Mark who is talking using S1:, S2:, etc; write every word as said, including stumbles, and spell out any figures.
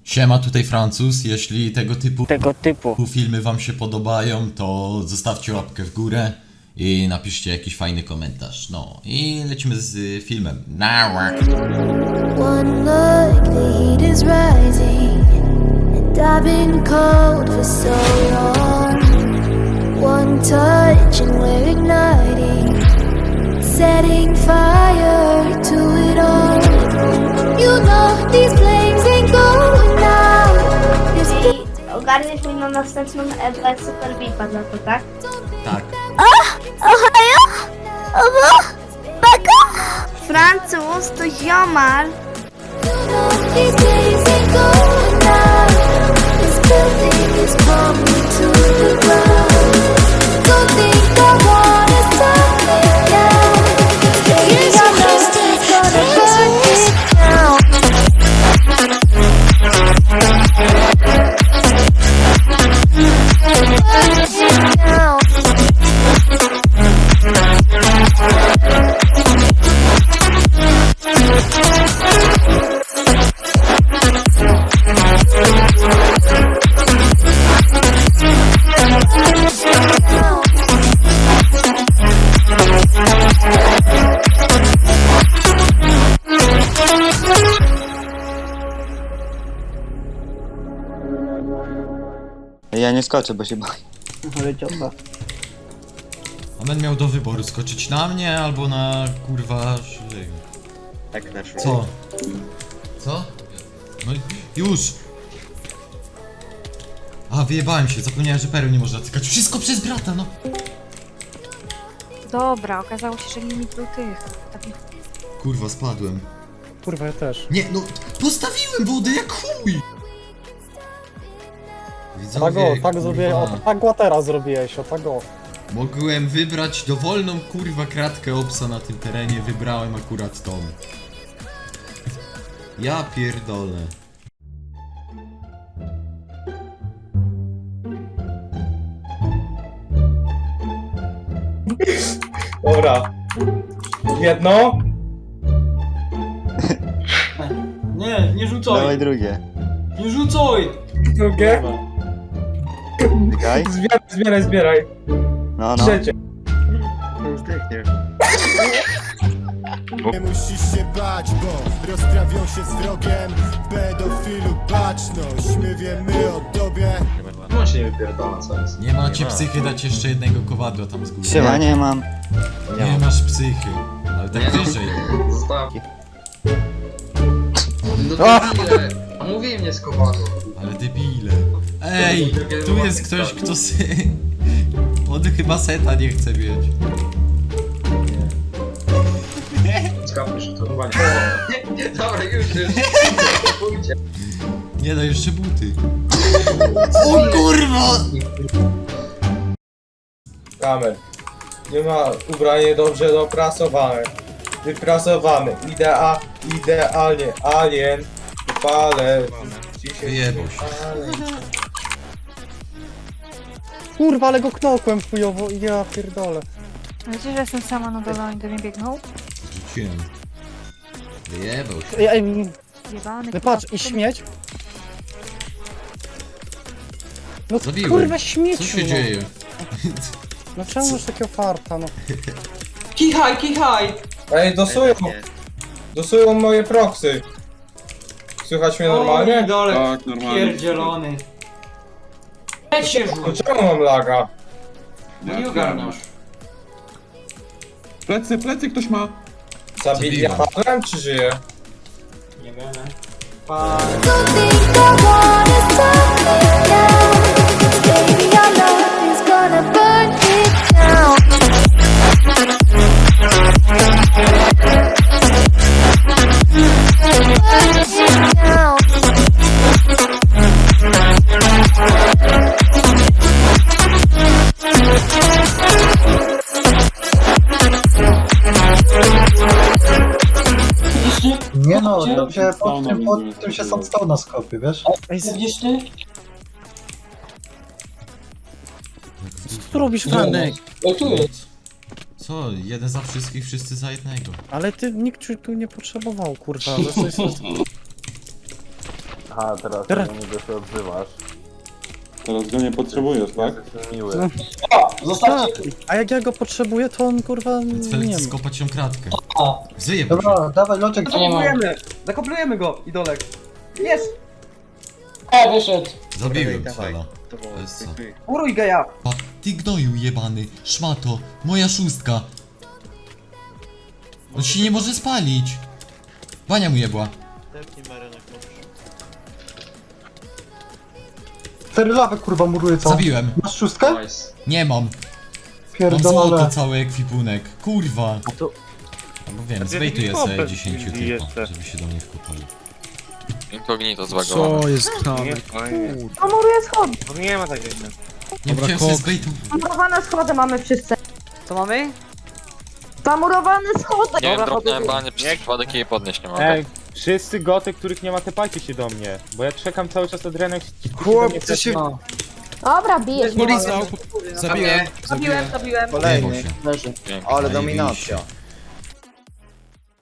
S1: Siema, tutaj Francuz. Jeśli tego typu,
S2: tego typu
S1: filmy wam się podobają, to zostawcie łapkę w górę i napiszcie jakiś fajny komentarz. No i lecimy z y, filmem. Nała.
S3: One look, the heat is rising, and I've been cold for so long. One touch and we're igniting, setting fire to it all. You know these flames ain't going out. You're
S4: I ogarniesz mi na następną Ewa Super Vipa za to, tak?
S1: Tak.
S3: Ohio? Owo? Baka?
S4: Francuz to ziomar.
S3: You know these flames ain't going out. This building is coming to the ground. Don't think I wanna stop it now. Baby, I know it's gonna burn it down. Burn it down.
S2: Ja nie skoczę, bo się boję.
S5: Ale ciota.
S1: Amen miał do wyboru skoczyć na mnie albo na kurwa szyję.
S2: Tak na szło.
S1: Co? Co? No już! A, wyjebałem się, zapomniałem, że pereł nie można cykać. Wszystko przez brata, no!
S6: Dobra, okazało się, że limit był tych. Takich...
S1: Kurwa, spadłem.
S5: Kurwa, ja też.
S1: Nie, no, postawiłem wodę jak chuj!
S5: Tak o, tak zrobię, o
S1: kurwa,
S5: tak łatera zrobiłeś, o tak o.
S1: mogłem wybrać dowolną kurwa kratkę obsa na tym terenie, wybrałem akurat tą. Ja pierdolę.
S7: Dobra. Jedno.
S8: Nie, nie rzucaj!
S2: Dawaj drugie.
S8: Nie rzucaj!
S7: Drugie.
S2: Czekaj.
S7: Zbieraj, zbieraj, zbieraj.
S2: No, no.
S7: Trzecie.
S2: Już zdechniesz.
S9: Nie musisz się bać, bo rozprawią się z wrogiem. Pedofilu baczność, my wiemy o tobie.
S7: No się nie wypierdala, co jest.
S1: Nie macie psychy dać jeszcze jednego kowadła tam z góry.
S2: Ja nie mam.
S1: Nie masz psychy, ale tak wyżej.
S7: Zostaw.
S2: No
S7: debile. A mówiłem nie z kowadło.
S1: Ale debile. Ej, tu jest ktoś, kto sy... On chyba seta nie chce mieć.
S7: Skapisz, to chyba nie. Nie, dobra, już, już. Pójdzie.
S1: Nie no, jeszcze buty. O kurwa!
S7: Kamer. Nie ma ubranie dobrze doprasowane. Wyprasowane. Idea, idealnie. Alien. Palę. Dzisiaj
S1: Wyjebał się.
S5: Kurwa, ale go knokłem chujowo, ja pierdolę.
S6: Wiecie, że jestem sama na dole, oni do mnie biegną?
S1: Rzuciłem. Wyjebał się.
S5: Ej, ej,
S6: Jebany,
S5: no
S6: kurwa,
S5: patrz, i śmieć. No
S1: Zabiłem.
S5: kurwa, śmieciu,
S1: Co się
S5: no.
S1: dzieje?
S5: No czemu masz takiego farta, no.
S8: Kichaj, kichaj!
S7: Ej, dosują. Dosują moje proksy. Słychać mnie
S8: O,
S7: normalnie?
S8: dole,
S10: Tak, normalnie.
S8: pierdzielony. Weź się
S7: No
S8: rzuć,
S7: czemu mam laga?
S8: bo nie ogarniasz.
S10: Plecy, plecy ktoś ma.
S7: Zabili ja
S1: Zabiłem.
S7: padłem, czy żyję?
S8: Nie wiem. Pa...
S3: Don't think I wanna stop it now. Baby, our love is gonna burn it down. Burn it down.
S11: Nie no, to się pod tym, pod tym się sam stał na skopie, wiesz?
S5: Ej, z-
S8: Widzisz?
S5: co tu robisz, Franek?
S8: O, tu jest.
S1: Co? Jeden za wszystkich, wszyscy za jednego.
S5: Ale ty nikt ci tu nie potrzebował, kurwa, ale coś jest...
S10: Aha, teraz,
S5: Teraz-
S10: do niego się odzywasz.
S12: Teraz go nie potrzebujesz, tak?
S10: Jesteś miły.
S5: No.
S11: O, zostawcie.
S5: A jak ja go potrzebuję, to on kurwa nie
S1: Felix
S5: wiem.
S1: skopać ją kratkę.
S11: O,
S1: Zjeb
S11: dobra, dawaj, Loczek, co nie ma.
S5: Zakoplujemy go, idolek. Jest!
S8: E, wyszedł.
S1: Zabiłem
S2: Dawaj,
S1: Fela.
S2: To było,
S1: To jest co?
S2: dziękuję.
S5: Uruj geja!
S1: Pa, ty gnoju jebany, szmato, moja szóstka. On się nie może spalić. Bania mu jebła.
S11: Cztery lawy kurwa muruje co?
S1: Zabiłem.
S11: Masz szóstkę?
S7: Nice.
S1: Nie mam. Mam złoto,
S11: Pierdolę.
S1: cały ekwipunek. Kurwa.
S10: to-
S1: No bo wiem, zbejtuję sobie dziesięciu typa, żeby się do mnie wkopali.
S10: Inkognito zbagowane.
S5: Co jest tam?
S4: Zamuruję schody.
S2: Nie ma takiego.
S1: Nie chciałem sobie zbejtować.
S4: Zamurowane schody mamy wszyscy.
S5: Co mamy?
S4: Zamurowane schody!
S10: Nie wiem, dropnąłem banie, przez przypadek jej podnieść nie mogę.
S12: Ej, wszyscy goty, których nie ma, tepajcie się do mnie. Bo ja czekam cały czas od Renek.
S5: Chłopcy się...
S4: Dobra, bijesz.
S5: Polizał. Zabiłem.
S4: Zabiłem, zabiłem.
S1: Kolejny.
S10: Dzięki.
S2: Ale dominacja.